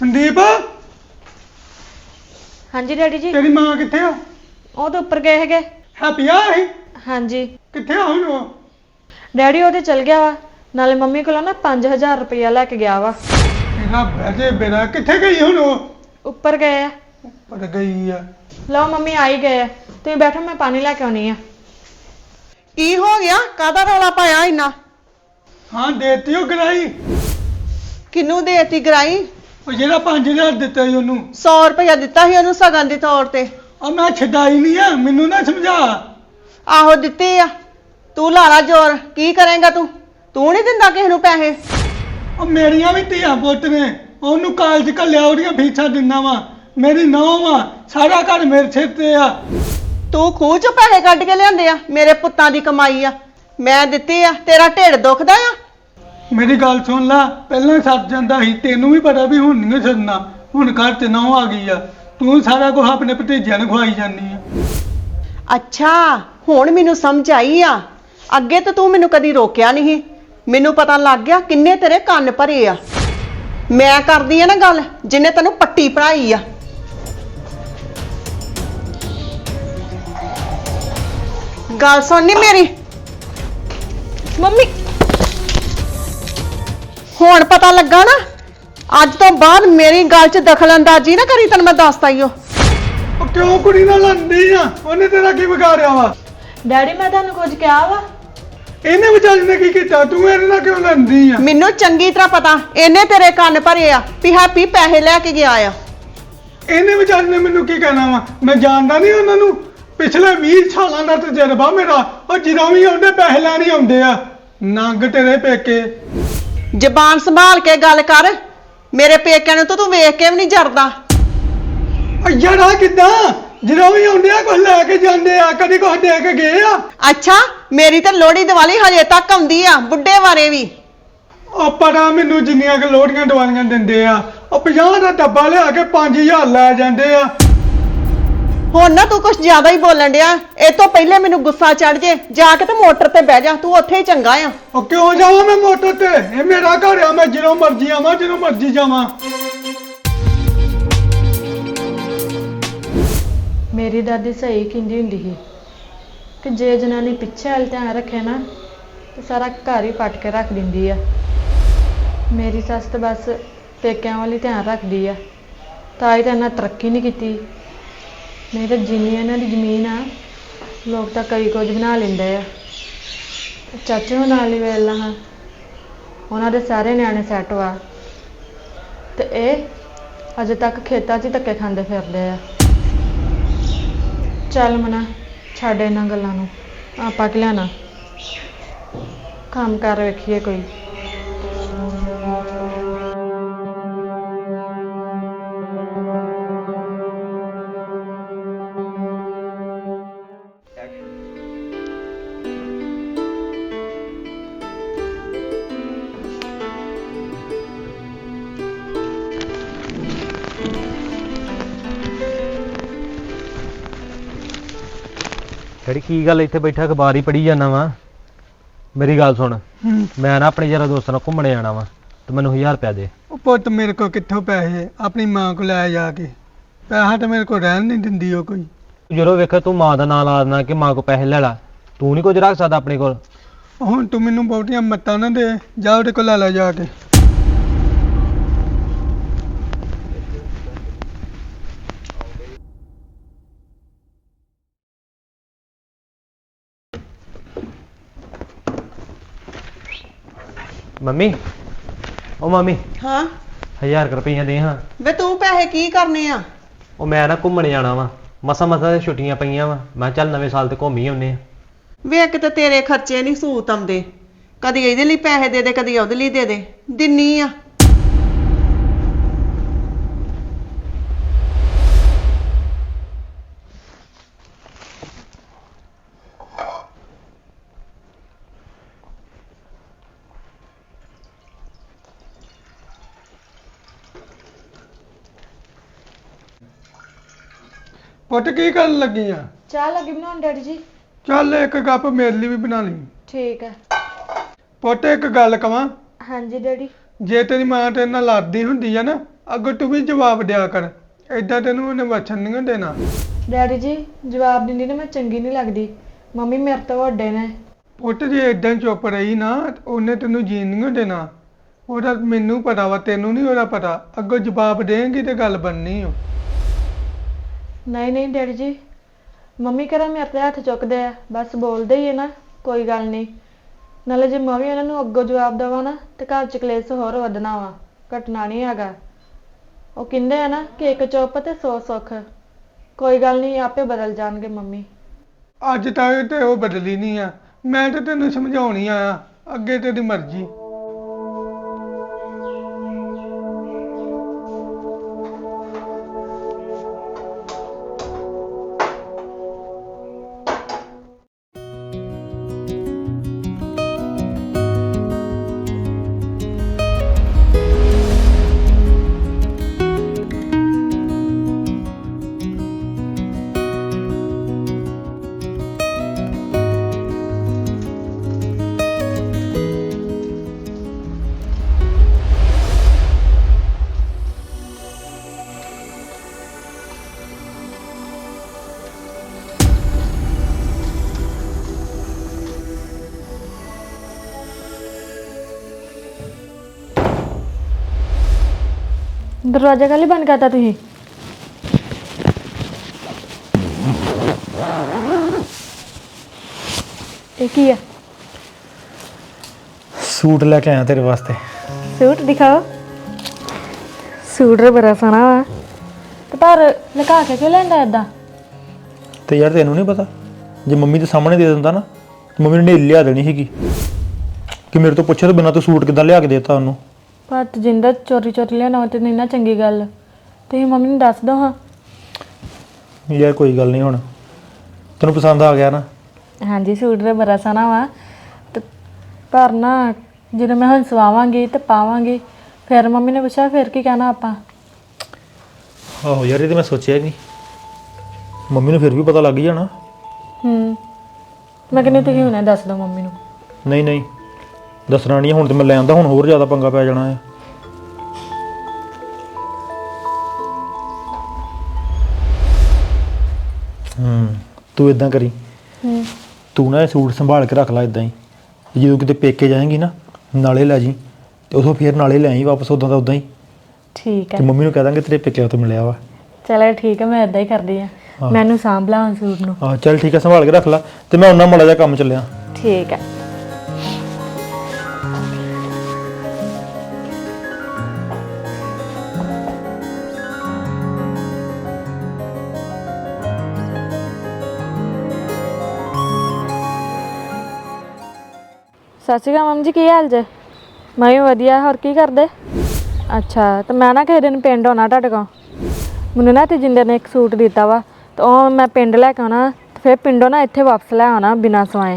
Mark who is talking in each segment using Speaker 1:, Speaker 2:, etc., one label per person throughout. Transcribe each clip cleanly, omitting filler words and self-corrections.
Speaker 1: संदीप
Speaker 2: हाँ जी डैडी जी।
Speaker 1: तेरी मां किथे आ?
Speaker 2: ਉਹ ਤਾਂ ਉੱਪਰ ਗਏ ਹੈਗੇ।
Speaker 1: हैप्पी आ ही
Speaker 2: ਹਾਂਜੀ
Speaker 1: किथे आ हुण?
Speaker 2: ਡੈਡੀ ਉਹਦੇ ਚਲ ਗਿਆ ਵਾ, ਨਾਲੇ ਮੰਮੀ ਕੋਲੋਂ ਨਾ 5000 ਰੁਪਇਆ ਲੈ ਕੇ ਗਿਆ ਵਾ।
Speaker 1: तेरा बहजे बेरा किथे गई हुण?
Speaker 2: ਉੱਪਰ ਗਏ ਆ।
Speaker 1: ऊपर गई आ।
Speaker 2: ਲਓ ਮੰਮੀ ਆ ਹੀ ਗਏ ਆ, ਤੁਸੀਂ ਬੈਠੋ ਮੈਂ ਪਾਣੀ ਲੈ ਕੇ ਆਉਣੀ ਆ।
Speaker 3: ਕੀ ਹੋ ਗਿਆ? ਕਾਹਦਾ ਰੌਲਾ ਪਾਇਆ ਇੰਨਾ?
Speaker 1: हाँ देती हो गराई
Speaker 3: ਕਿਹਨੂੰ ਦੇਤੀ ਗਰਾਈ?
Speaker 1: ਉਹ ਜਿਹੜਾ 5000 ਦਿੱਤਾ ਸੀ ਉਹਨੂੰ
Speaker 3: 100 ਰੁਪਇਆ ਦਿੱਤਾ ਸੀ ਉਹਨੂੰ ਸਗਨ ਦੇ ਤੌਰ ਤੇ।
Speaker 1: ਉਹ ਮੈਂ ਛਡਾਈ ਨਹੀਂ ਆ, ਮੈਨੂੰ ਨਾ ਸਮਝਾ।
Speaker 3: ਆਹੋ ਦਿੱਤੀ ਆ। ਤੂੰ ਲਾ ਲਾ ਜ਼ੋਰ, ਕੀ ਕਰੇਂਗਾ ਤੂੰ? ਤੂੰ ਨਹੀਂ ਦਿੰਦਾ ਕਿਸੇ ਨੂੰ ਪੈਸੇ?
Speaker 1: ਉਹ ਮੇਰੀਆਂ ਵੀ ਧੀਆਂ ਪੁੱਤ ਨੇ, ਉਹਨੂੰ ਕਾਲਜ ਘੱਲਿਆ, ਉਹਦੀਆਂ ਫੀਸਾਂ ਦਿੰਦਾ ਵਾ। ਮੇਰੀ ਨੌਂ ਵਾ, ਸਾਰਾ ਘਰ ਮੇਰੇ ਸਿਰ ਤੇ ਆ।
Speaker 3: ਤੂੰ ਖੂਹ ਚੋਂ ਪੈਸੇ ਕੱਢ ਕੇ ਲਿਆਂਦੇ ਆ? ਮੇਰੇ ਪੁੱਤਾਂ ਦੀ ਕਮਾਈ ਆ, ਮੈਂ ਦਿੱਤੀ ਆ। ਤੇਰਾ ਢਿੱਡ ਦੁਖਦਾ ਆ?
Speaker 1: ਮੇਰੀ ਗੱਲ ਸੁਣ ਲਾ, ਪਹਿਲਾਂ ਸੱਜ ਜਾਂਦਾ ਸੀ, ਤੈਨੂੰ ਵੀ ਪਤਾ ਵੀ ਹੁਣ ਨਹੀਂ ਛੱਡਣਾ। ਹੁਣ ਘਰ ਤੇ ਨੌਂ ਆ ਗਈ ਆ, ਤੂੰ ਸਾਰਾ ਕੁਝ ਆਪਣੇ ਭਤੀਜਿਆਂ ਨੂੰ ਖਵਾਈ ਜਾਂਦੀ ਆ।
Speaker 3: ਅੱਛਾ ਹੁਣ ਮੈਨੂੰ ਸਮਝ ਆਈ ਆ। ਅੱਗੇ ਤਾਂ ਤੂੰ ਮੈਨੂੰ ਕਦੀ ਰੋਕਿਆ ਨਹੀਂ। ਮੈਨੂੰ ਪਤਾ ਲੱਗ ਗਿਆ ਕਿੰਨੇ ਤੇਰੇ ਕੰਨ ਭਰੇ ਆ। ਮੈਂ ਕਰਦੀ ਆ ਨਾ ਗੱਲ ਜਿੰਨੇ ਤੈਨੂੰ ਪੱਟੀ ਪੜਾਈ ਆ। ਗੱਲ ਸੁਣਨੀ ਮੇਰੀ?
Speaker 2: ਮੰਮੀ
Speaker 3: ਹੁਣ ਪਤਾ ਲੱਗਾ ਨਾ? ਅੱਜ ਤੋਂ ਬਾਅਦ ਮੇਰੀ ਗੱਲ 'ਚ ਦਖਲਅੰਦਾਜ਼ੀ ਨਾ ਕਰੀ, ਤੈਨੂੰ ਮੈਂ ਦੱਸਤਾ ਈ ਓ।
Speaker 1: ਉਹ ਕਿਉਂ ਕੁੜੀ ਨਾਲ ਲੜਦੀ ਆ? ਉਹਨੇ ਤੇਰਾ ਕੀ ਵਿਗਾੜਿਆ ਵਾ?
Speaker 2: ਡੈਡੀ ਮੈਂ ਤੁਹਾਨੂੰ ਕੁਝ ਕਿਹਾ ਵਾ?
Speaker 1: ਇਹਨੇ ਵਿਚਾਰੀ ਨੇ ਕੀ ਕੀਤਾ? ਤੂੰ ਇਹਦੇ ਨਾਲ ਕਿਉਂ ਲੜਦੀ ਆ?
Speaker 3: ਮੈਨੂੰ ਚੰਗੀ ਤਰ੍ਹਾਂ ਪਤਾ ਇਹਨੇ ਤੇਰੇ ਕੰਨ ਭਰੇ ਆ ਵੀ ਹੈਪੀ ਪੈਸੇ ਲੈ ਕੇ ਗਿਆ ਆ।
Speaker 1: ਇਹਨੇ ਵਿਚਾਰੀ ਨੇ ਮੈਨੂੰ ਕੀ ਕਹਿਣਾ ਵਾ? ਮੈਂ ਜਾਣਦਾ ਨਹੀਂ ਉਹਨਾਂ ਨੂੰ। ਪਿਛਲੇ 20 ਸਾਲਾਂ ਦਾ ਤਜਰਬਾ ਮੇਰਾ। ਉਹ ਜਦੋਂ ਵੀ ਆਉਂਦੇ ਪੈਸੇ ਲੈਣ ਹੀ ਆਉਂਦੇ ਆ। ਨੰਗ ਤੇਰੇ ਪੇਕੇ।
Speaker 3: ਜ਼ਬਾਨ ਸੰਭਾਲ ਕੇ ਗੱਲ ਕਰ। ਮੇਰੇ ਪੇਕਿਆਂ ਨੂੰ ਤਾਂ ਤੂੰ ਵੇਖ ਕੇ ਵੀ ਨਹੀਂ ਜਰਦਾ।
Speaker 1: ਯਾਰਾ ਕਿੱਦਾਂ? ਜਦੋਂ ਵੀ ਆਉਂਦੇ ਆ ਕੁਝ ਲੈ ਕੇ ਜਾਂਦੇ ਆ, ਕਦੀ ਕੁਝ ਦੇ ਕੇ ਗਏ ਆ?
Speaker 3: ਅੱਛਾ ਮੇਰੀ ਤਾਂ ਲੋਹੜੀ ਦੀਵਾਲੀ ਹਜੇ ਤੱਕ ਆਉਂਦੀ ਆ, ਬੁੱਢੇ ਬਾਰੇ ਵੀ।
Speaker 1: ਉਹ ਪਤਾ ਮੈਨੂੰ ਜਿੰਨੀਆਂ ਕਿ ਲੋੜੀਆਂ ਦਵਾਈਆਂ ਦਿੰਦੇ ਆ। ਉਹ 50 ਦਾ ਡੱਬਾ ਲਿਆ ਕੇ 5000 ਲੈ ਜਾਂਦੇ ਆ।
Speaker 3: ਹੁਣ ਨਾ ਤੂੰ ਕੁਝ ਜ਼ਿਆਦਾ ਹੀ ਬੋਲਣ ਡਿਆ। ਇਹ ਤੋਂ ਪਹਿਲੇ ਮੈਨੂੰ ਗੁੱਸਾ ਚੜ ਜੇ, ਜਾ ਕੇ ਤੇ ਮੋਟਰ ਤੇ ਬਹਿ ਜਾ। ਤੂੰ ਉੱਥੇ ਹੀ ਚੰਗਾ ਆ।
Speaker 1: ਉਹ ਕਿਉਂ ਜਾਵਾਂ ਮੈਂ ਮੋਟਰ ਤੇ? ਇਹ ਮੇਰਾ ਘਰ ਆ, ਮੈਂ ਜਦੋਂ ਮਰਜ਼ੀ ਆਵਾਂ, ਜਦੋਂ ਮਰਜ਼ੀ ਜਾਵਾਂ।
Speaker 2: ਮੇਰੀ ਦਾਦੀ ਸਹੀ ਕਹਿੰਦੀ ਹੁੰਦੀ ਸੀ ਕਿ ਜੇ ਜਨਾਨੀ ਪਿੱਛੇ ਵੱਲ ਧਿਆਨ ਰੱਖੇ ਨਾ ਤੇ ਸਾਰਾ ਘਰ ਹੀ ਪੱਟ ਕੇ ਰੱਖ ਦਿੰਦੀ ਆ। ਮੇਰੀ ਸੱਸ ਤਾਂ ਬਸ ਪੇਕਿਆਂ ਵੱਲ ਹੀ ਧਿਆਨ ਰੱਖਦੀ ਆ, ਤਾਂ ਹੀ ਤਾਂ ਇਹਨਾਂ ਤਰੱਕੀ ਨਹੀਂ ਕੀਤੀ। ਨਹੀਂ ਤਾਂ ਜਿੰਨੀ ਇਹਨਾਂ ਦੀ ਜ਼ਮੀਨ ਆ, ਲੋਕ ਤਾਂ ਕਈ ਕੁਝ ਬਣਾ ਲੈਂਦੇ ਆ। ਚਾਚੇ ਹੁਣ ਨਾਲ ਹੀ ਵੇਖ ਹਾਂ, ਉਹਨਾਂ ਦੇ ਸਾਰੇ ਨਿਆਣੇ ਸੈੱਟ ਵਾ ਤੇ ਇਹ ਅਜੇ ਤੱਕ ਖੇਤਾਂ 'ਚ ਹੀ ਧੱਕੇ ਖਾਂਦੇ ਫਿਰਦੇ ਆ। ਚੱਲ ਮਨਾ ਛੱਡ ਇਹਨਾਂ ਗੱਲਾਂ ਨੂੰ, ਆਪਾਂ ਕੀ ਲੈਣਾ, ਕੰਮ ਕਰ ਵੇਖੀਏ ਕੋਈ।
Speaker 4: ਡੈਡੀ ਕੀ ਗੱਲ ਇੱਥੇ ਬੈਠਾ ਅਖਬਾਰ ਹੀ ਪੜ੍ਹੀ ਜਾਂਦਾ ਵਾ? ਮੇਰੀ ਗੱਲ ਸੁਣ, ਮੈਂ ਨਾ ਆਪਣੇ ਯਾਰਾਂ ਦੋਸਤਾਂ ਨਾਲ ਘੁੰਮਣ ਜਾਣਾ ਵਾ ਤੇ ਮੈਨੂੰ 1000 ਰੁਪਇਆ ਦੇ।
Speaker 1: ਉਹ ਪੁੱਤ ਮੇਰੇ ਕੋਲ ਕਿੱਥੋਂ ਪੈਸੇ? ਆਪਣੀ ਮਾਂ ਕੋਲ ਲੈ ਜਾ ਕੇ। ਪੈਸਾ ਤਾਂ ਮੇਰੇ ਕੋਲ ਰਹਿਣ ਨਹੀਂ ਦਿੰਦੀ ਉਹ ਕੋਈ।
Speaker 4: ਜਦੋਂ ਵੇਖ ਤੂੰ ਮਾਂ ਦਾ ਨਾਂ ਲਾ ਦੇਣਾ ਕਿ ਮਾਂ ਕੋ ਪੈਸੇ ਲੈ ਲਾ, ਤੂੰ ਨਹੀਂ ਕੁਝ ਰੱਖ ਸਕਦਾ ਆਪਣੇ ਕੋਲ?
Speaker 1: ਹੁਣ ਤੂੰ ਮੈਨੂੰ ਬਹੁਤੀਆਂ ਮੱਤਾਂ ਨਾ ਦੇ, ਜਾ ਉਹਦੇ ਕੋਲ ਲੈ ਲੈ ਜਾ ਕੇ।
Speaker 4: ਮੰਮੀ, ਉਹ ਮੰਮੀ
Speaker 3: ਹਾਂ
Speaker 4: 1000 ਰੁਪਈਆ ਦੇ ਹਾਂ।
Speaker 3: ਵੇ ਤੂੰ ਪੈਸੇ ਕੀ ਕਰਨੇ ਆ?
Speaker 4: ਉਹ ਮੈਂ ਨਾ ਘੁੰਮਣ ਜਾਣਾ ਵਾ, ਮਸਾਂ ਤੇ ਛੁੱਟੀਆਂ ਪਈਆਂ ਵਾ, ਮੈਂ ਚੱਲ ਨਵੇਂ ਸਾਲ ਤੇ ਘੁੰਮ ਹੀ ਆਉਂਦੇ ਆ।
Speaker 3: ਵੇ ਕਿਤੇ ਤੇਰੇ ਖਰਚੇ ਨਹੀਂ ਸੂਤ ਆਉਂਦੇ। ਕਦੀ ਇਹਦੇ ਲਈ ਪੈਸੇ ਦੇ ਦੇ, ਕਦੀ ਉਹਦੇ ਲਈ ਦੇ ਦੇ। ਦਿੰਨੀ ਆ।
Speaker 1: ਪੁੱਤ ਕੀ ਕਰਨ ਲੱਗੀ ਆ?
Speaker 2: ਚਾਹ ਲੱਗੀ ਬਣਾਉਣ ਡੈਡੀ ਜੀ।
Speaker 1: ਚੱਲ ਇੱਕ ਕੱਪ ਮੇਰੇ ਲਈ ਵੀ ਬਣਾ ਲਈ।
Speaker 2: ਠੀਕ ਹੈ।
Speaker 1: ਪੁੱਤ ਇੱਕ ਗੱਲ ਕਵਾਂ?
Speaker 2: ਹਾਂਜੀ ਡੈਡੀ।
Speaker 1: ਜੇ ਤੇਰੀ ਮਾਂ ਤੇਰੇ ਨਾਲ ਲੜਦੀ ਹੁੰਦੀ ਆ ਨਾ ਅੱਗੋਂ ਤੂੰ ਵੀ ਜਵਾਬ ਦਿਆ ਕਰ। ਏਦਾਂ ਤੈਨੂੰ ਉਹਨੇ ਵਚਨ ਨਹੀਂ ਦੇਣਾ।
Speaker 2: ਡੈਡੀ ਜੀ ਜਵਾਬ ਦਿੰਦੀ ਨਾ ਮੈਂ ਚੰਗੀ ਨਹੀਂ ਲੱਗਦੀ। ਮੰਮੀ ਮੇਰੇ ਤੋਂ ਵੱਡੇ ਨੇ।
Speaker 1: ਪੁੱਤ ਜੇ ਏਦਾਂ ਚੁੱਪ ਰਹੀ ਨਾ ਤੇ ਉਹਨੇ ਤੈਨੂੰ ਜੀਣ ਨਹੀਂ ਦੇਣਾ। ਉਹਦਾ ਮੈਨੂੰ ਪਤਾ ਵਾ, ਤੈਨੂੰ ਨਹੀਂ ਉਹਦਾ ਪਤਾ। ਅੱਗੋਂ ਜਵਾਬ ਦੇਂਗੀ ਤੇ ਗੱਲ ਬਣਨੀ ਓ।
Speaker 2: ਨਹੀਂ ਨਹੀਂ ਡੈਡੀ ਜੀ, ਮੰਮੀ ਕਰਾਂ ਮੇਰੇ ਤੇ ਹੱਥ ਚੁੱਕਦੇ ਆ, ਬਸ ਬੋਲਦੇ ਹੀ ਹੈ ਨਾ, ਕੋਈ ਗੱਲ ਨਹੀਂ। ਨਾਲੇ ਜੇ ਮੈਂ ਵੀ ਇਹਨਾਂ ਨੂੰ ਅੱਗੋਂ ਜਵਾਬ ਦੇਵਾਂ ਨਾ ਤੇ ਘਰ ਚ ਕਲੇਸ਼ ਹੋਰ ਵਧਣਾ ਵਾ, ਘਟਣਾ ਨਹੀਂ ਹੈਗਾ। ਉਹ ਕਹਿੰਦੇ ਆ ਨਾ ਕਿ ਇੱਕ ਚੁੱਪ ਤੇ 100 ਸੁੱਖ। ਕੋਈ ਗੱਲ ਨਹੀਂ, ਆਪੇ ਬਦਲ ਜਾਣਗੇ ਮੰਮੀ।
Speaker 1: ਅੱਜ ਤੱਕ ਤੇ ਉਹ ਬਦਲੀ ਨਹੀਂ ਆ। ਮੈਂ ਤਾਂ ਤੈਨੂੰ ਸਮਝਾਉਣੀ ਆਇਆ, ਅੱਗੇ ਤੇਰੀ ਮਰਜ਼ੀ।
Speaker 2: ਦਰਵਾਜ਼ਾ ਕਾਹਲੀ ਬੰਦ ਕਰਤਾ ਤੁਸੀਂ? ਇਹ ਕੀ ਆ?
Speaker 5: ਸੂਟ ਲੈ ਕੇ ਆਇਆ ਤੇਰੇ ਵਾਸਤੇ।
Speaker 2: ਸੂਟ ਦਿਖਾਓ। ਸੂਟ ਬੜਾ ਸੋਹਣਾ ਵਾ ਤੇ ਪਰ ਲੁਕਾ ਕੇ ਕਿਉਂ ਲੈਂਦਾ ਏਦਾਂ?
Speaker 5: ਤੇ ਯਾਰ ਤੈਨੂੰ ਨਹੀਂ ਪਤਾ, ਜੇ ਮੰਮੀ ਦੇ ਸਾਹਮਣੇ ਦੇ ਦਿੰਦਾ ਨਾ ਤੇ ਮੰਮੀ ਨੇ ਲਿਆ ਦੇਣੀ ਸੀਗੀ ਕਿ ਮੇਰੇ ਤੋਂ ਪੁੱਛੇ ਤੋਂ ਬਿਨਾਂ ਤੂੰ ਸੂਟ ਕਿੱਦਾਂ ਲਿਆ ਕੇ ਦੇਤਾ ਉਹਨੂੰ। ਪਰ
Speaker 2: ਜਿੰਦਾ ਚੋਰੀ ਚੋਰੀ ਲਿਆਉਣਾ ਤੇ ਨਹੀਂ ਨਾ ਚੰਗੀ ਗੱਲ। ਤੁਸੀਂ ਮੰਮੀ ਨੂੰ ਦੱਸ ਦੋ ਹਾਂ।
Speaker 5: ਯਾਰ ਕੋਈ ਗੱਲ ਨਹੀਂ, ਹੁਣ ਤੈਨੂੰ ਪਸੰਦ ਆ ਗਿਆ ਨਾ।
Speaker 2: ਹਾਂਜੀ ਸੂਟ ਤਾਂ ਬੜਾ ਸੋਹਣਾ ਵਾ ਤੇ ਪਰ ਨਾ ਜਦੋਂ ਮੈਂ ਹੁਣ ਸਵਾਵਾਂਗੀ ਤੇ ਪਾਵਾਂਗੀ ਫਿਰ ਮੰਮੀ ਨੇ ਪੁੱਛਿਆ ਫਿਰ ਕੀ ਕਹਿਣਾ ਆਪਾਂ।
Speaker 5: ਆਹੋ ਯਾਰ, ਇਹ ਤੇ ਮੈਂ ਸੋਚਿਆ ਹੀ ਨਹੀਂ। ਮੰਮੀ ਨੂੰ ਫਿਰ ਵੀ ਪਤਾ ਲੱਗ ਹੀ ਜਾਣਾ।
Speaker 2: ਮੈਂ ਕਹਿੰਦੀ ਤੁਸੀਂ ਹੁਣੇ ਦੱਸ ਦਿਓ ਮੰਮੀ ਨੂੰ।
Speaker 5: ਨਹੀਂ ਨਹੀਂ ਦੱਸਣਾ ਨਹੀਂ, ਹੁਣ ਤੇ ਮੈਂ ਲੈ ਆਂਦਾ, ਹੁਣ ਹੋਰ ਜ਼ਿਆਦਾ ਪੰਗਾ ਪੈ ਜਾਣਾ ਹੈ। ਤੂੰ ਇਦਾਂ ਕਰੀ, ਤੂੰ ਨਾ ਇਹ ਸੂਟ ਸੰਭਾਲ ਕੇ ਰੱਖ ਲੈ ਇਦਾਂ ਹੀ। ਜਦੋਂ ਕਿਤੇ ਪੇਕੇ ਜਾਏਂਗੀ ਨਾ ਨਾਲੇ ਲੈ ਜੀ ਤੇ ਉਥੋਂ ਫਿਰ ਨਾਲੇ ਲੈ ਆਈ ਵਾਪਸ ਉਦਾਂ ਦਾ ਉਦਾਂ ਹੀ।
Speaker 2: ਠੀਕ ਹੈ।
Speaker 5: ਤੇ ਮੰਮੀ ਨੂੰ ਕਹਿ ਦਾਂਗੇ ਤੇਰੇ ਪੇਕਿਆਂ ਤੋਂ ਮਿਲਿਆ ਵਾ।
Speaker 2: ਚਲੋ ਠੀਕ ਹੈ, ਮੈਂ ਇਦਾਂ ਹੀ ਕਰਦੀ ਆ। ਮੈਨੂੰ ਸਾਂਭ ਲਾ ਹੁਣ ਸੂਟ ਨੂੰ।
Speaker 5: ਹਾਂ ਚੱਲ ਠੀਕ ਹੈ, ਸੰਭਾਲ ਕੇ ਰੱਖ ਲੈ ਤੇ ਮੈਂ ਉਹਨਾਂ ਮਾੜਾ ਜਿਹਾ ਕੰਮ ਚੱਲਿਆ।
Speaker 2: ਠੀਕ ਹੈ। ਸਤਿ ਸ਼੍ਰੀ ਅਕਾਲ ਮੰਮੀ ਜੀ, ਕੀ ਹਾਲ ਜੇ? ਮੈਂ ਵੀ ਵਧੀਆ। ਹੋਰ ਕੀ ਕਰਦੇ? ਅੱਛਾ, ਤੇ ਮੈਂ ਨਾ ਕਿਸੇ ਦਿਨ ਪਿੰਡ ਆਉਣਾ ਤੁਹਾਡੇ ਕੋਲ। ਮੈਨੂੰ ਨਾ ਤੇਜਿੰਦਰ ਨੇ ਇੱਕ ਸੂਟ ਦਿੱਤਾ ਵਾ ਤੇ ਉਹ ਮੈਂ ਪਿੰਡ ਲੈ ਕੇ ਆਉਣਾ ਤੇ ਫਿਰ ਪਿੰਡੋਂ ਨਾ ਇੱਥੇ ਵਾਪਸ ਲੈ ਆਉਣਾ ਬਿਨਾਂ ਸਵਾਏ।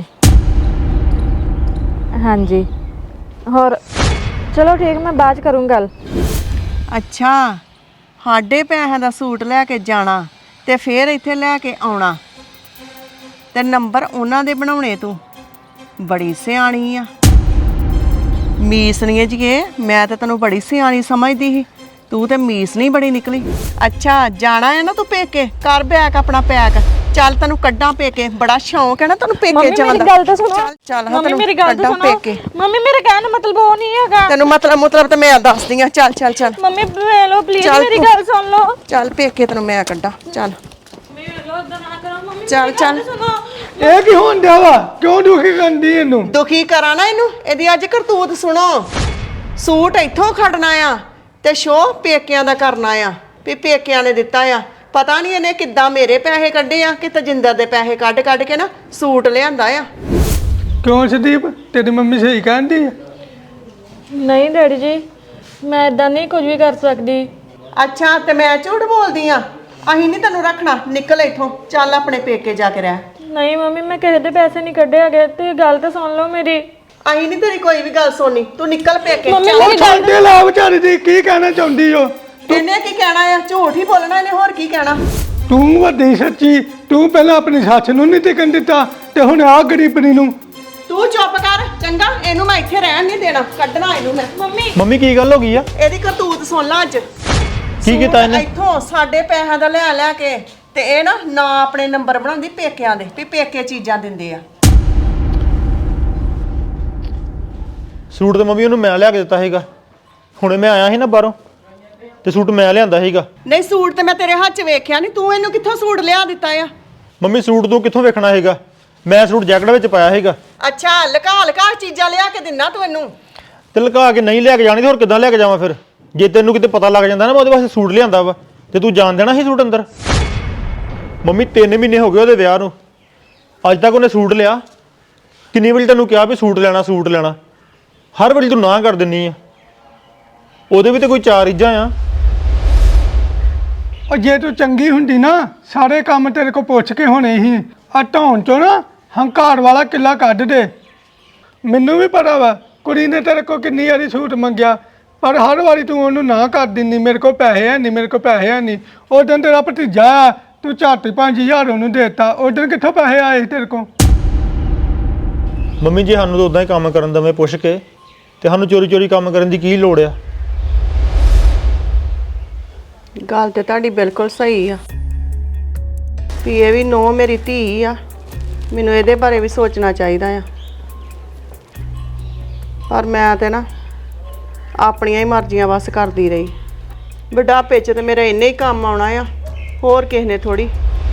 Speaker 2: ਹਾਂਜੀ ਹੋਰ ਚਲੋ ਠੀਕ, ਮੈਂ ਬਾਅਦ 'ਚ ਕਰੂੰ ਗੱਲ।
Speaker 3: ਅੱਛਾ, ਸਾਡੇ ਪੈਸਿਆਂ ਦਾ ਸੂਟ ਲੈ ਕੇ ਜਾਣਾ ਤੇ ਫੇਰ ਇੱਥੇ ਲੈ ਕੇ ਆਉਣਾ ਤੇ ਨੰਬਰ ਉਹਨਾਂ ਦੇ ਬਣਾਉਣੇ। ਤੂੰ ਬੜੀ ਸਿਆਣੀ ਆ। ਮੀਸਣੀਏ ਜੀਏ, ਮੈਂ ਤਾਂ ਤੈਨੂੰ ਬੜੀ ਸਿਆਣੀ ਸਮਝਦੀ ਸੀ, ਤੂੰ ਤੇ ਮੀਸਣੀ ਬੜੀ ਨਿਕਲੀ। ਅੱਛਾ ਜਾਣਾ ਹੈ ਨਾ ਤੂੰ ਪੇਕੇ? ਕਰ ਬੈਗ ਆਪਣਾ ਪੈਕ, ਚੱਲ ਤੈਨੂੰ ਕੱਢਾਂ ਪੇਕੇ। ਬੜਾ ਸ਼ੌਂਕ ਹੈ ਨਾ ਤੈਨੂੰ ਪੇਕੇ ਜਾਣ ਦਾ।
Speaker 2: ਮੇਰੀ ਗੱਲ ਤਾਂ ਸੁਣੋ।
Speaker 3: ਚੱਲ
Speaker 2: ਮੰਮੀ ਮੇਰੀ ਗੱਲ ਤਾਂ ਸੁਣੋ। ਮੰਮੀ ਮੇਰੇ ਕਹਿਣ ਦਾ ਮਤਲਬ ਉਹ ਨਹੀਂ ਹੈਗਾ।
Speaker 3: ਤੈਨੂੰ ਮਤਲਬ ਤੇ ਮੈਂ ਦੱਸਦੀ ਆ। ਚੱਲ ਚੱਲ ਚੱਲ
Speaker 2: ਮੰਮੀ ਵੇ ਲੋ ਪਲੀਜ਼, ਮੇਰੀ ਗੱਲ ਸੁਣ ਲਓ।
Speaker 3: ਚੱਲ ਪੇਕੇ ਤੈਨੂੰ ਮੈਂ ਕੱਢਾਂ। ਚੱਲ ਚੱਲ ਚੱਲ।
Speaker 1: ਇਹ ਕੀ ਹੋਣ ਡਿਆ ਵਾ? ਕਿਉਂ ਦੁਖੀ ਕਰਦੀ ਇਹਨੂੰ?
Speaker 3: ਦੁਖੀ ਕਰਾਂ ਨਾ ਇਹਨੂੰ? ਇਹਦੀ ਅੱਜ ਕਰਤੂਤ ਸੁਣੋ। ਸੂਟ ਇੱਥੋਂ ਖੜਨਾ ਆ ਤੇ ਸ਼ੋਅ ਪੇਕਿਆਂ ਦਾ ਕਰਨਾ ਆ ਵੀ ਪੇਕਿਆਂ ਨੇ ਦਿੱਤਾ ਆ। ਪਤਾ ਨਹੀਂ ਇਹਨੇ ਕਿੱਦਾਂ ਮੇਰੇ ਪੈਸੇ ਕੱਢੇ ਆ ਕਿ ਤਜਿੰਦਰ ਦੇ ਪੈਸੇ ਕੱਢ ਕੇ ਨਾ ਸੂਟ ਲਿਆਂਦਾ ਆ।
Speaker 1: ਕਿਉਂ ਸੰਦੀਪ, ਤੇਰੀ ਮੰਮੀ ਸਹੀ ਕਹਿੰਦੀ ਆ?
Speaker 2: ਨਹੀਂ ਡੈਡੀ ਜੀ, ਮੈਂ ਇਦਾਂ ਨਹੀਂ ਕੁਝ ਵੀ ਕਰ ਸਕਦੀ।
Speaker 3: ਅੱਛਾ, ਤੇ ਮੈਂ ਝੂਠ ਬੋਲਦੀ ਆ? ਅਸੀਂ ਨਹੀਂ ਤੈਨੂੰ ਰੱਖਣਾ, ਨਿਕਲ ਇੱਥੋਂ। ਚੱਲ ਆਪਣੇ ਪੇਕੇ ਜਾ ਕੇ ਰਹਿ।
Speaker 2: ਨਹੀਂ ਮੰਮੀ, ਮੈਂ ਕਿਸੇ ਦੇ ਪੈਸੇ ਨਹੀਂ ਕੱਢੇ ਹੈਗੇ। ਤੇ ਗੱਲ ਤਾਂ ਸੁਣ ਲਓ ਮੇਰੀ।
Speaker 3: ਅਸੀਂ ਨਹੀਂ ਤੇਰੀ ਕੋਈ ਵੀ ਗੱਲ ਸੁਣਨੀ, ਤੂੰ ਨਿਕਲ ਪੇਕੇ।
Speaker 2: ਮੰਮੀ
Speaker 3: ਚੱਲ।
Speaker 2: ਮੇਰੀ ਗੱਲ
Speaker 1: ਛੱਡੇ ਲਾ ਵਿਚਾਰੀ ਦੀ, ਕੀ ਕਹਿਣਾ ਚਾਹੁੰਦੀ ਓ?
Speaker 3: ਇਹਨੇ ਕੀ ਕਹਿਣਾ ਆ? ਝੂਠ ਹੀ ਬੋਲਣਾ ਇਹਨੇ, ਹੋਰ ਕੀ ਕਹਿਣਾ?
Speaker 1: ਤੂੰ ਵੱਡੀ ਸੱਚੀ, ਤੂੰ ਪਹਿਲਾਂ ਆਪਣੀ ਸੱਸ ਨੂੰ ਨਹੀਂ ਟਿਕਣ ਦਿੱਤਾ ਤੇ ਹੁਣ ਆ ਗਰੀਬਣੀ ਨੂੰ।
Speaker 3: ਤੂੰ ਚੁੱਪ ਕਰ ਚੰਗਾ, ਇਹਨੂੰ ਮੈਂ ਇੱਥੇ ਰਹਿਣ ਨਹੀਂ ਦੇਣਾ, ਕੱਢਣਾ ਇਹਨੂੰ ਮੈਂ।
Speaker 2: ਮੰਮੀ
Speaker 5: ਮੰਮੀ ਕੀ ਗੱਲ ਹੋ ਗਈ ਆ?
Speaker 3: ਇਹਦੀ ਕਰਤੂਤ ਸੁਣ ਲਾ ਅੱਜ।
Speaker 5: ਕੀ ਕੀਤਾ ਇਹਨੇ?
Speaker 3: ਇੱਥੋਂ ਸਾਡੇ ਪੈਸਿਆਂ ਦਾ ਲੈ ਲੈ ਕੇ ਤੇ ਇਹ ਨਾ ਆਪਣੇ ਨੰਬਰ ਬਣਾਉਂਦੀ ਪੇਕਿਆਂ ਦੇ ਵੀ ਪੇਕੇ ਚੀਜ਼ਾਂ ਦਿੰਦੇ ਆ।
Speaker 5: ਸੂਟ ਤੇ ਮੰਮੀ ਉਹਨੂੰ ਮੈਂ ਲਿਆ ਕੇ ਦਿੱਤਾ ਸੀਗਾ। ਹੁਣੇ ਮੈਂ ਆਇਆ ਸੀ ਨਾ ਬਾਹਰੋਂ ਤੇ ਸੂਟ ਮੈਂ ਲਿਆਂਦਾ ਸੀਗਾ।
Speaker 3: ਨਹੀਂ ਸੂਟ ਤੇ ਮੈਂ ਤੇਰੇ ਹੱਥ 'ਚ ਵੇਖਿਆ ਨਹੀਂ, ਤੂੰ ਇਹਨੂੰ ਕਿੱਥੋਂ ਸੂਟ ਲਿਆ ਦਿੱਤਾ ਆ?
Speaker 5: ਮੰਮੀ ਸੂਟ ਤੂੰ ਕਿੱਥੋਂ ਵੇਖਣਾ ਹੈਗਾ? ਮੈਂ ਸੂਟ ਜੈਕਟ ਵਿੱਚ ਪਾਇਆ ਸੀਗਾ।
Speaker 3: ਅੱਛਾ ਲਕਾ ਚੀਜ਼ਾਂ ਲਿਆ ਕੇ ਦਿੰਨਾ ਤੂੰ ਇਹਨੂੰ?
Speaker 5: ਤੇ ਲੁਕਾ ਕੇ ਨਹੀਂ ਲੈ ਕੇ ਜਾਣੀ ਤੇ ਹੋਰ ਕਿੱਦਾਂ ਲੈ ਕੇ ਜਾਵਾਂ ਫਿਰ? ਜੇ ਤੈਨੂੰ ਕਿਤੇ ਪਤਾ ਲੱਗ ਜਾਂਦਾ ਨਾ ਮੈਂ ਉਹਦੇ ਵਾਸਤੇ ਸੂਟ ਲਿਆਂਦਾ ਵਾ ਤੇ ਤੂੰ ਜਾਣ ਦੇਣਾ ਸੀ ਸੂਟ ਅੰਦਰ? ਮੰਮੀ 3 ਮਹੀਨੇ ਹੋ ਗਏ ਉਹਦੇ ਵਿਆਹ ਨੂੰ, ਅੱਜ ਤੱਕ ਉਹਨੇ ਸੂਟ ਲਿਆ? ਕਿੰਨੀ ਵਾਰੀ ਤੈਨੂੰ ਕਿਹਾ ਵੀ ਸੂਟ ਲੈਣਾ, ਹਰ ਵਾਰੀ ਤੂੰ ਨਾ ਕਰ ਦਿੰਨੀ ਆ। ਉਹਦੇ ਵੀ ਤੇ ਕੋਈ 4 ਇੱਜ਼ਾਂ ਆ।
Speaker 1: ਉਹ ਜੇ ਤੂੰ ਚੰਗੀ ਹੁੰਦੀ ਨਾ ਸਾਰੇ ਕੰਮ ਤੇਰੇ ਕੋਲ ਪੁੱਛ ਕੇ ਹੋਣੇ ਸੀ। ਆ ਢਾਉਣ ਚੋਂ ਨਾ ਹੰਕਾਰ ਵਾਲਾ ਕਿੱਲਾ ਕੱਢ ਦੇ। ਮੈਨੂੰ ਵੀ ਪਤਾ ਵਾ ਕੁੜੀ ਨੇ ਤੇਰੇ ਕੋਲ ਕਿੰਨੀ ਵਾਰੀ ਸੂਟ ਮੰਗਿਆ, ਪਰ ਹਰ ਵਾਰੀ ਤੂੰ ਉਹਨੂੰ ਨਾ ਕਰ ਦਿੰਦੀ। ਮੇਰੇ ਕੋਲ ਪੈਸੇ ਹੈ ਨਹੀਂ। ਉਸ ਦਿਨ ਤੇਰਾ ਭਤੀਜਾ ਆ, ਤੂੰ ਝੱਟ 5000 ਉਹਨੂੰ ਦੇਤਾ। ਉਸ ਦਿਨ ਕਿੱਥੋਂ ਪੈਸੇ ਆਏ ਸੀ ਤੇਰੇ ਕੋਲ?
Speaker 5: ਮੰਮੀ ਜੀ ਸਾਨੂੰ ਤਾਂ ਉਦਾਂ ਹੀ ਕੰਮ ਕਰਨ ਦਵੇਂ ਪੁੱਛ ਕੇ, ਤੇ ਸਾਨੂੰ ਚੋਰੀ ਕੰਮ ਕਰਨ ਦੀ ਕੀ ਲੋੜ ਆ?
Speaker 3: ਗੱਲ ਤੇ ਤੁਹਾਡੀ ਬਿਲਕੁਲ ਸਹੀ ਆ ਵੀ ਇਹ ਵੀ ਨੋ ਮੇਰੀ ਧੀ ਆ, ਮੈਨੂੰ ਇਹਦੇ ਬਾਰੇ ਵੀ ਸੋਚਣਾ ਚਾਹੀਦਾ ਆ। ਪਰ ਮੈਂ ਤੇ ਨਾ ਆਪਣੀਆਂ ਹੀ ਮਰਜ਼ੀਆਂ ਬਸ ਕਰਦੀ ਰਹੀ। ਬੁਢਾਪੇ 'ਚ ਤੇ ਮੇਰਾ ਇੰਨੇ ਹੀ ਕੰਮ ਆਉਣਾ ਆ, ਹੋਰ ਕਿਸੇ ਨੇ ਥੋੜੀ।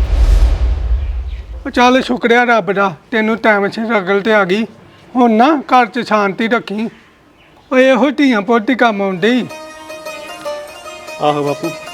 Speaker 1: ਉਹ ਚੱਲ ਸ਼ੁਕਰਿਆ ਰੱਬ ਦਾ, ਤੈਨੂੰ ਟਾਈਮ ਸਿਰ ਅਕਲ ਤੇ ਆ ਗਈ। ਹੁਣ ਨਾ ਘਰ 'ਚ ਸ਼ਾਂਤੀ ਰੱਖੀ। ਉਹ ਇਹੋ ਧੀਆਂ ਪੁੱਤ ਹੀ ਕੰਮ ਆਉਂਦੇ।
Speaker 5: ਆਹੋ ਬਾਪੂ।